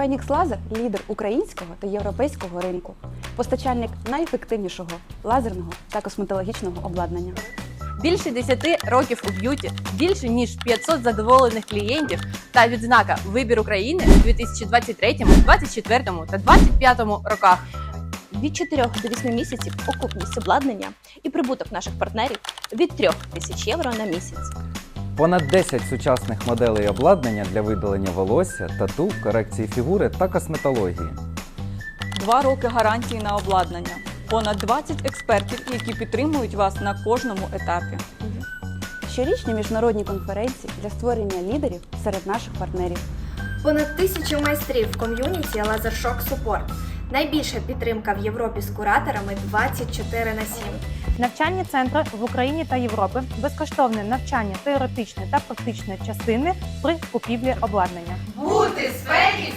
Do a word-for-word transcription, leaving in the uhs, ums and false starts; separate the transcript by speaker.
Speaker 1: Phoenix Laser – лідер українського та європейського ринку, постачальник найефективнішого лазерного та косметологічного обладнання.
Speaker 2: Більше десяти років у б'юті, більше ніж п'ятсот задоволених клієнтів та відзнака «Вибір України» у дві тисячі двадцять третьому, двадцять четвертому та двадцять п'ятому роках.
Speaker 3: Від чотирьох до восьми місяців окупність обладнання і прибуток наших партнерів від трьох тисяч євро на місяць.
Speaker 4: Понад десять сучасних моделей обладнання для видалення волосся, тату, корекції фігури та косметології.
Speaker 5: Два роки гарантії на обладнання. Понад двадцять експертів, які підтримують вас на кожному етапі.
Speaker 1: Щорічні міжнародні конференції для створення лідерів серед наших партнерів.
Speaker 6: Понад тисячу майстрів в ком'юніті LaserShock Support. Найбільша підтримка в Європі з кураторами двадцять чотири на сім.
Speaker 7: Навчальні центри в Україні та Європі, безкоштовне навчання теоретичної та практичної частини при купівлі обладнання.
Speaker 2: Бути в сфері